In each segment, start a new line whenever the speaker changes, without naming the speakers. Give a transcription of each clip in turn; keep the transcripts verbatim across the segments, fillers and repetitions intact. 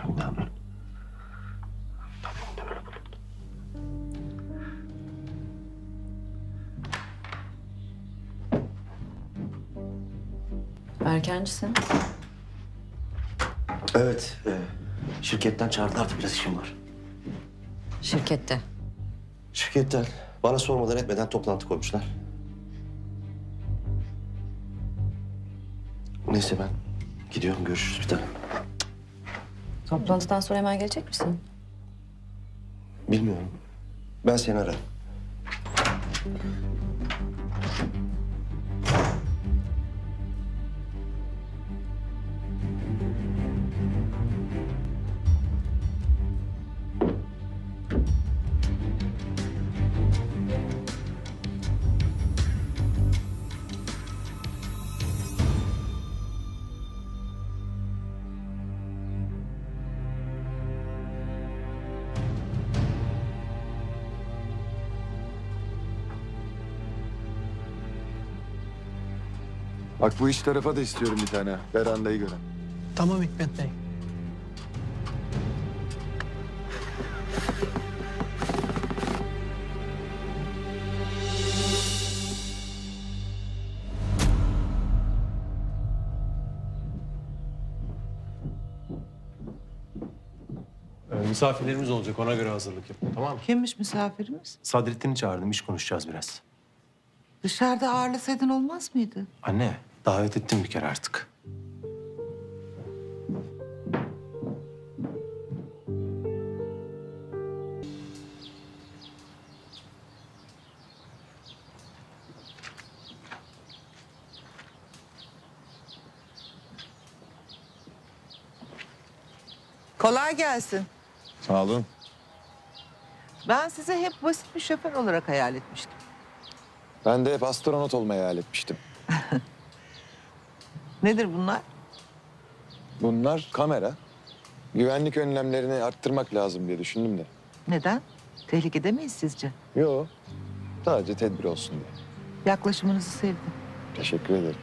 İnanın. Tabii de böyle bulundu.
Erkencisin.
Evet. E, şirketten çağırdılar da biraz işim var.
Şirkette.
Şirketten bana sormadan etmeden toplantı koymuşlar. Neyse ben gidiyorum. Görüşürüz bir tane.
Toplantıdan sonra hemen gelecek misin?
Bilmiyorum. Ben seni ararım.
Bak bu iç tarafa da istiyorum bir tane. Verandayı gören.
Tamam Hikmet Bey.
Ee, misafirlerimiz olacak, ona göre hazırlık yapın, tamam mı?
Kimmiş misafirimiz?
Sadrettin'i çağırdım, iş konuşacağız biraz.
Dışarıda ağırlasaydın olmaz mıydı?
Anne, davet ettim bir kere artık.
Kolay gelsin.
Sağ olun.
Ben sizi hep basit bir şoför olarak hayal etmiştim.
Ben de hep astronot olmayı hayal etmiştim.
Nedir bunlar?
Bunlar kamera. Güvenlik önlemlerini arttırmak lazım diye düşündüm de.
Neden? Tehlikede miyiz sizce?
Yo, sadece tedbir olsun diye.
Yaklaşımınızı sevdim.
Teşekkür ederim.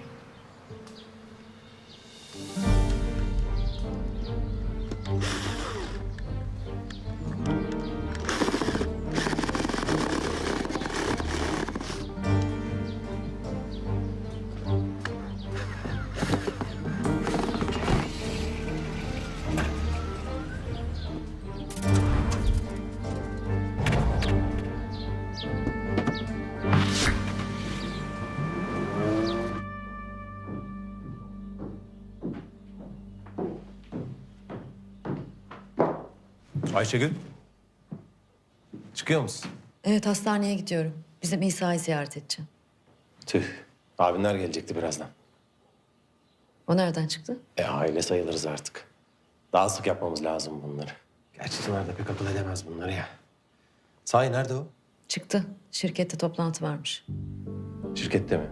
Ayşegül, çıkıyor musun?
Evet, hastaneye gidiyorum. Bizim İsa'yı ziyaret edeceğim.
Tüh, abinler gelecekti birazdan.
O nereden çıktı?
E aile sayılırız artık. Daha sık yapmamız lazım bunları. Gerçi Çınar da pek akıl edemez bunları ya. Sahi nerede o?
Çıktı. Şirkette toplantı varmış.
Şirkette mi?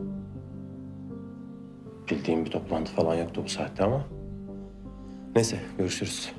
Bildiğim bir toplantı falan yoktu bu saatte ama. Neyse, görüşürüz.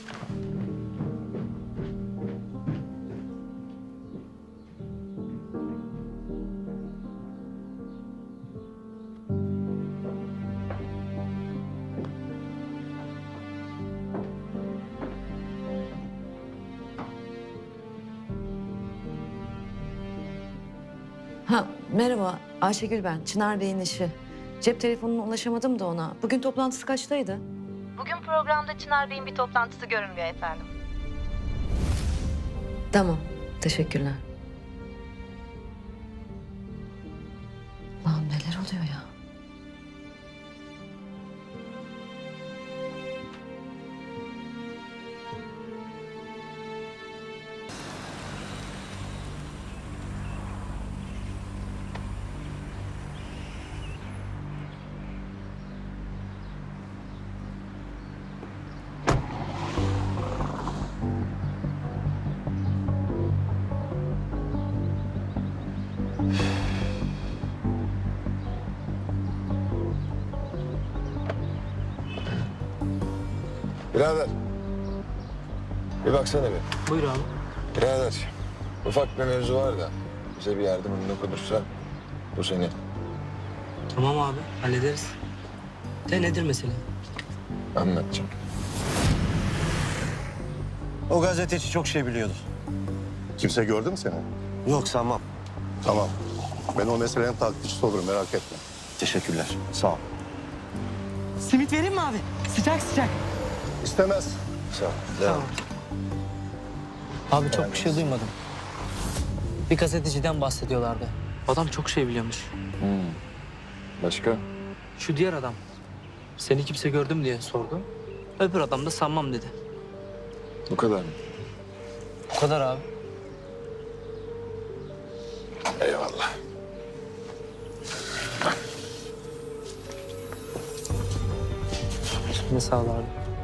Ha, merhaba. Ayşegül ben. Çınar Bey'in eşi. Cep telefonuna ulaşamadım da ona. Bugün toplantısı kaçtaydı?
Bugün programda Çınar Bey'in bir toplantısı görünmüyor efendim.
Tamam. Teşekkürler. Lan neler oluyor ya?
Birader. Bir baksana bir.
Buyur abi.
Birader, ufak bir mevzu var da bize bir yardımın dokunursa bu senin.
Tamam abi, hallederiz. De nedir mesele?
Anlatacağım.
O gazeteci çok şey biliyordu.
Kimse gördü mü seni?
Yok sanmam.
Tamam. Ben o meselenin takipçisi olurum, merak etme.
Teşekkürler. Sağ ol.
Simit vereyim mi abi? Sıcak sıcak.
İstemez.
Sağ ol. Devam.
Abi çok bir şey duymadım. Bir gazeteciden bahsediyorlardı. Adam çok şey biliyormuş.
Başka?
Şu diğer adam. Seni kimse gördü mü diye sordu. Öbür adam da sanmam dedi.
Bu kadar mı?
Bu kadar abi.
Eyvallah.
Ne sağ ol abi.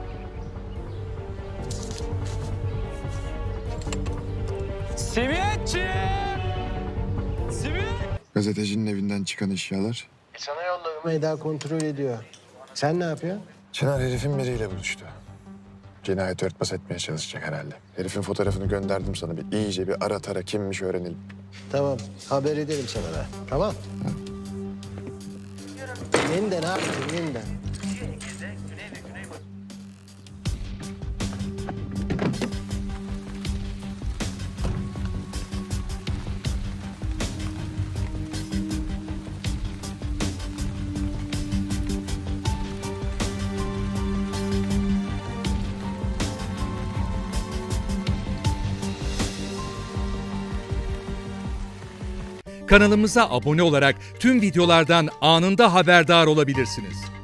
Simitçi! Simit!
Gazetecinin evinden çıkan eşyalar.
Sana yolladım. Eda kontrol ediyor. Sen ne yapıyorsun?
Çınar herifin biriyle buluştu. Cinayeti örtbas etmeye çalışacak herhalde. Herifin fotoğrafını gönderdim sana. Bir iyice bir ara tara kimmiş öğrenelim.
Tamam. Haber ederim sana ben. Tamam. Yeniden abi, yeniden.
Kanalımıza abone olarak tüm videolardan anında haberdar olabilirsiniz.